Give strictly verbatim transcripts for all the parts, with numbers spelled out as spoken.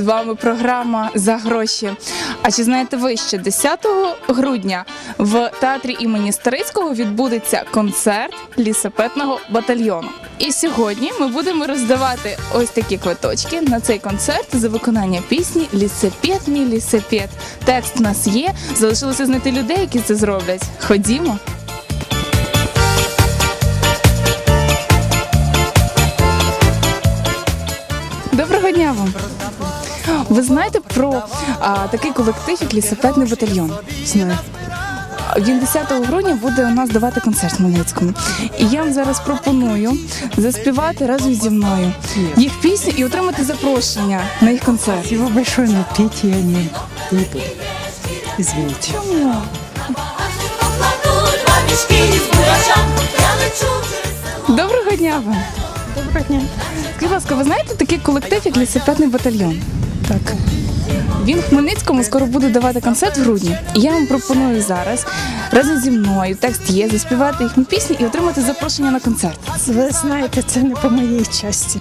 вами програма «За гроші». А чи знаєте ви, що десятого грудня в театрі імені Старицького відбудеться концерт лісопедного батальйону? І сьогодні ми будемо роздавати ось такі квиточки на цей концерт за виконання пісні «Лісопед, мій лісопед». Текст у нас є, залишилося знайти людей, які це зроблять. Ходімо. Доброго дня вам! Ви знаєте про а, такий колектив, як лісопедний батальйон? Знаю. Він десятого грудня буде у нас давати концерт в Хмельницькому. І я вам зараз пропоную заспівати разом зі мною їх пісню і отримати запрошення на їх концерт. Его большое, но петь я не, не буду. Извините. Чому? Доброго дня вам! Доброго дня. Скажіть, будь ласка, ви знаєте такий колектив, як лісопедний батальйон? Так. Він в Хмельницькому скоро буде давати концерт в грудні. І я вам пропоную зараз разом зі мною, текст є, заспівати їхні пісні і отримати запрошення на концерт. Ви знаєте, це не по моїй часті.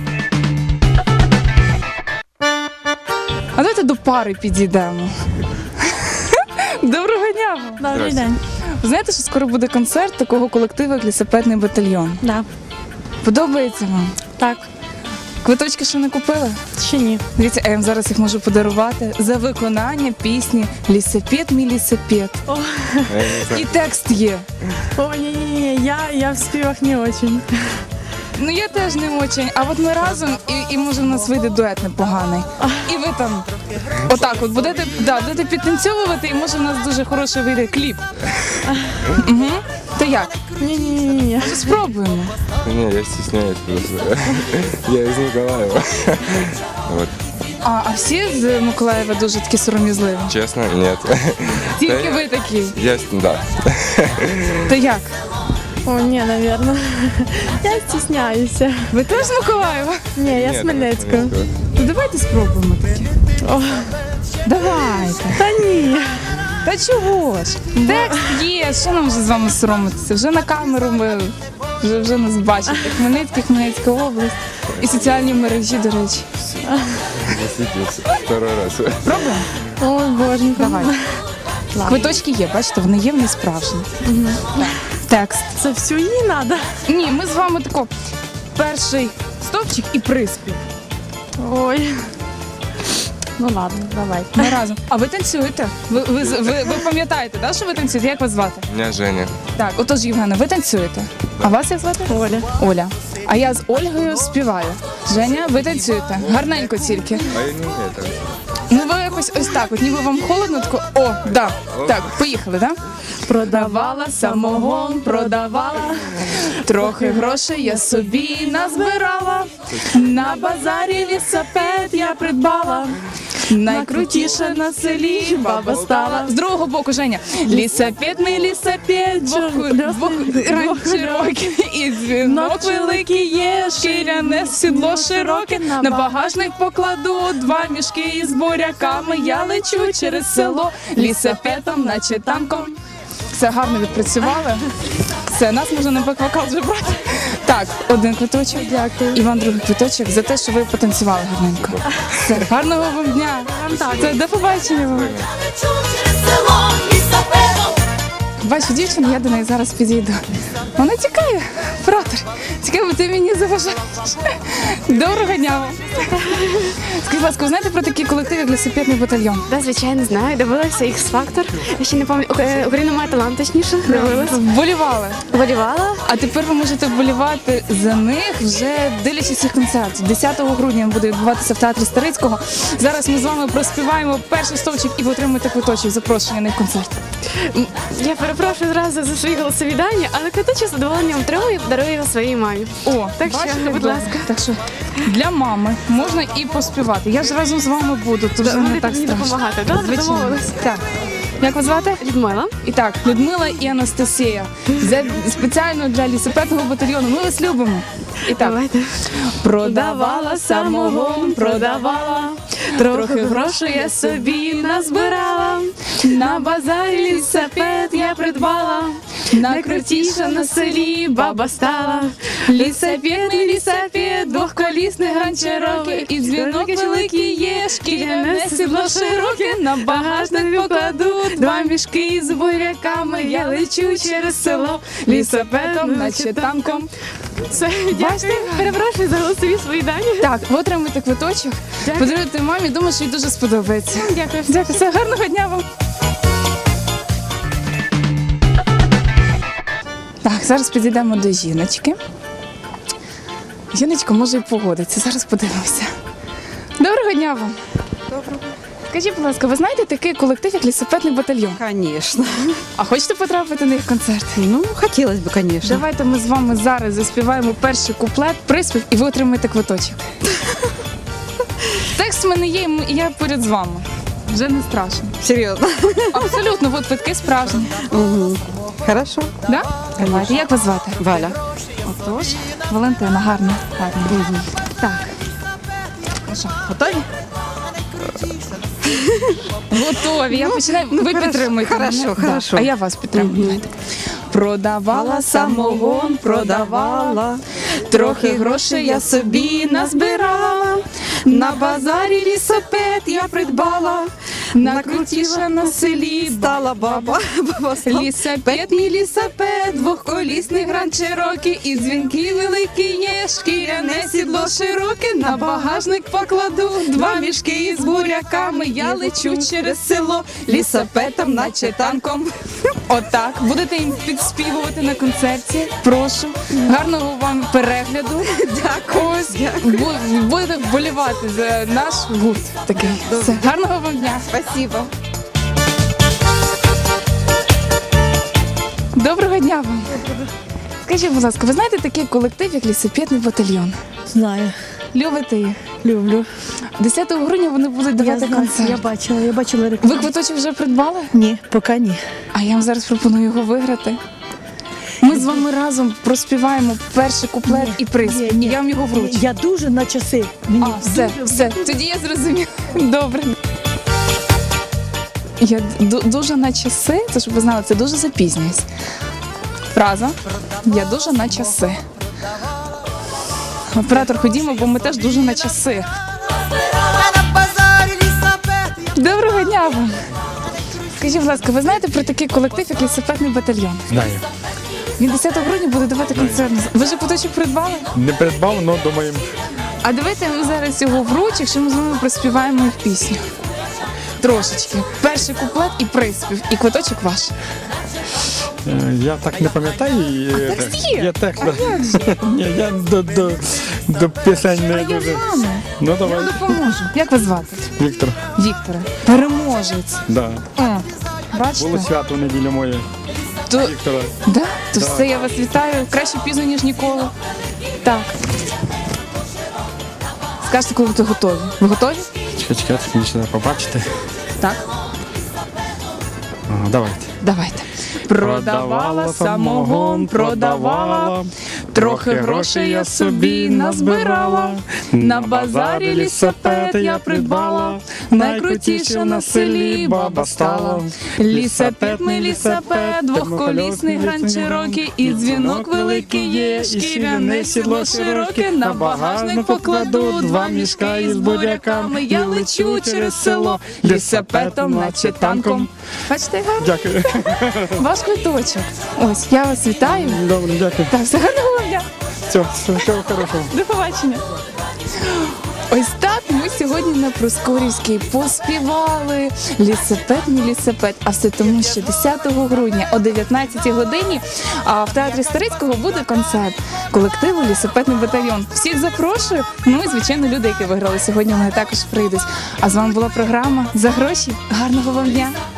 А давайте до пари підійдемо. Доброго дня вам! Добрий день. Ви знаєте, що скоро буде концерт такого колективу, як лісопедний батальйон? Да. Подобається вам? Так. Квиточки ще не купили? Ще ні. Дивіться, я вам зараз їх можу подарувати за виконання пісні «Лісопед, мій лісопед». О, І текст є. О, ні-ні-ні, я, я в співах не очень. Ну я теж не очень, а от ми разом, і, і може в нас вийде дует непоганий. І ви там отак от будете, да, будете підтанцьовувати, і може в нас дуже хороший вийде кліп. Угу. То як? Ні-ні-ні. Спробуємо. Не, я стесняюсь просто. Я из Николаева. Вот. А, а всі з Миколаєва дуже такі сором'язливі? Честно, нет. Тільки Да, ви такі. Я, да. То як? О, ні, навірно. Я стісняюся. Ви теж з Миколаєва? Ні, я з Нет, Хмельницького. Хмельницкого. То давайте спробуємо такі. О, Давайте. та ні. Та чого ж? Текст є, що нам вже з вами соромитися? Вже на камеру ми вже, вже нас бачите. Хмельницький, Хмельницька область і соціальні мережі, до речі. Засветился. Второй раз. Пробуємо? О, боженько. Давай. Квиточки є, бачите, вони є, вони справжні. Так. Текст. Це всю їй треба? Ні, ми з вами тако перший стовпчик і приспів. Ой. Ну ладно, давай. Ми разом. А ви танцюєте? Ви, ви, ви, ви пам'ятаєте, да, що ви танцюєте? Як вас звати? Меня Женя. Так, отож, Євгена, ви танцюєте. А вас як звати? Оля. Оля. А я з Ольгою співаю. Женя, ви танцюєте. Гарненько тільки. А я не умею так. Ну ви якось ось так, от ніби вам холодно, тако, о, да. Так, поїхали, да? Продавала самогон, продавала, трохи грошей я собі назбирала, на базарі лісопед я придбала, найкрутіша на селі баба стала. З другого боку, Женя. Лісопед, мій лісопед, двох, двох ран широкий, і дзвінок великий є, шкіряне сідло широке, на багажник покладу два мішки із буряками, я лечу через село лісопедом, наче танком. Все гарно відпрацювали. Все, нас можна на бек-вокал вже брати. Так, один квиточок. Дякую. І вам другий квиточок за те, що ви потанцювали гарненько. Все, гарного вам дня. Все, до побачення вам. Бачу дівчину, я до неї зараз підійду. Вона тікає, братер. Цікаво, ти мені заважаєш. Доброго дня вам. Скажіть, будь ласка, ви знаєте про такий колектив, як лісопедний батальйон? Да, звичайно, знаю. Дивилася Ікс-фактор. Я ще не пам'ятаю. Україна має талант, точніше. Дивилась. Вболівали. Волівала. А тепер ви можете вболівати за них, вже дивлячись їх концерт. десятого грудня буде відбуватися в театрі Старицького. Зараз ми з вами проспіваємо перший стовпчик і ви отримаєте квиточок, запрошення на їх концерт. Я перепрошую зразу за свої голосові дані, але квиточок з задоволенням отримую і подарую його своїй мамі. О, Так що, бачите, будь добре. ласка. Так що для мами можна і поспівати. Я ж разом з вами буду, то вже не Будете так мені страшно. допомагати. Добре, Звичайно. домовились. Так. Як вас звати? Людмила. І так, Людмила і Анастасія. За- Спеціально для лісопедного батальйону. Ми вас любимо. І так. Давайте. Продавала самогон, продавала, трохи грошей я собі назбирала, на базарі лісопед я придбала, Найкрутіша на селі баба стала. Лісапет, не лісапет, двохколісний гранд Чирокі. І дзвінок великий є, шкіряне сідло широке. На багажник покладу два мішки з буряками. Я лечу через село лісапетом, наче танком. Все, дякую. Перепрошую за голосові свої дані. Так, ви отримуєте квиточок, Дякую. подаруйте мамі, думаю, що їй дуже сподобається. Дякую. Дякую, все, гарного дня вам. Так, зараз підійдемо до жіночки. Жіночка може і погодиться, зараз подивимося. Доброго дня вам. Доброго. Скажіть, будь ласка, ви знаєте такий колектив, як лісопедний батальйон? Конечно. А хочете потрапити на їх концерт? Ну, хотелось бы, конечно. Давайте ми з вами зараз заспіваємо перший куплет, приспів, і ви отримаєте квиточок. Текст в мене є, і я поряд з вами. Вже не страшно. Серьезно. Абсолютно, от квитки справжні. Мгм. Хорошо. Да? Давайте. Як вас звати? Валя. Отож, Валентина, гарно. гарно. Так. Ну що, готові? Готові. Я починаю. ну, Ви хорошо, підтримуєте хорошо, мене? хорошо. Да. А я вас підтримую. Давайте. Продавала самогон, продавала. Трохи грошей я собі назбирала. На базарі лісопед я придбала. Накрутіша на селі Стала баба. Баба стала. лісапед, мій лісапед, двохколісний гранд Чирокі. І дзвінки великі є, шкіряне сідло широке. На багажник покладу два мішки з буряками. Я лечу через село лісапетом, наче танком. Отак, будете їм підспівувати на концерті. Прошу. Гарного вам перегляду. Дякую. Ось, бу- будете вболівати за наш гурт такий. Все. Гарного вам дня. Спасибо. Доброго дня вам. Скажіть, будь ласка, ви знаєте такий колектив, як лісопедний батальйон? Знаю, Любите їх? люблю. десятого грудня вони будуть Я давати знаю, концерт. я бачила, я бачила Ви рекламу. квиточок вже придбали? Ні, поки ні. А я вам зараз пропоную його виграти. Ми з вами разом проспіваємо перший куплет і приспів. Ні, ні. Я вам його вручу. Я дуже на часи. Мені А, все, дуже- все. Тоді я зрозуміла. Добре. Я ду- дуже на часи, це щоб ви знали, це дуже запізнююсь. Фраза. Я дуже на часи. Оператор, ходімо, бо ми теж дуже на часи. Доброго дня вам. Скажіть, будь ласка, ви знаєте про такий колектив, як лісопедний батальйон? Знаю. Він десятого грудня буде давати концерт. Ви ж квиточок придбали? Не придбав, але думаємо. А давайте ми зараз його вручимо, якщо ми з вами проспіваємо їх пісню. Трошечки. Перший куплет і приспів. І квиточок ваш. Е, Я так не пам'ятаю. і, е, текст є? Я текст. А як же? Ні, я до, до, до пісень А не я дуже. з вами. Ну Я давай, вам допоможу. Як вас звати? Віктор. Вікторе. Переможець. Да. О, Було бачите? свято в неділю моє. То, Віктора. да? То Так. все, я вас вітаю. Краще пізно, ніж ніколи. Так. Скажете, коли ви готові. Ви готові? Чекай, чекай, мені ще треба побачити. Так. Ага, давайте. Давайте. Продавала самогон, продавала. Трохи грошей я собі назбирала. На базарі лісопед я придбала. Найкрутіша на селі баба стала. Лісопед, мій лісопед, двохколісний гранд Чирокі. І дзвінок великий є, шкіряне сідло широке. На багажник покладу два мішка із буряками. Я лечу через село лісопедом, наче танком. Бачите, як гарно? Дякую. Ваш квиточок. Ось, я вас вітаю. Добре, дякую. Так, все гарного вам дня. Все, все, всього хорошого. До побачення. Ось так ми сьогодні на Проскурівській поспівали лісопед, мій лісопед. А все тому, що десятого грудня о дев'ятнадцятій годині а в театрі Старицького буде концерт колективу Лісопедний батальйон. Всіх запрошую. Ну і звичайно, люди, які виграли сьогодні, вони також прийдуть. А з вами була програма «За гроші». Гарного вам дня.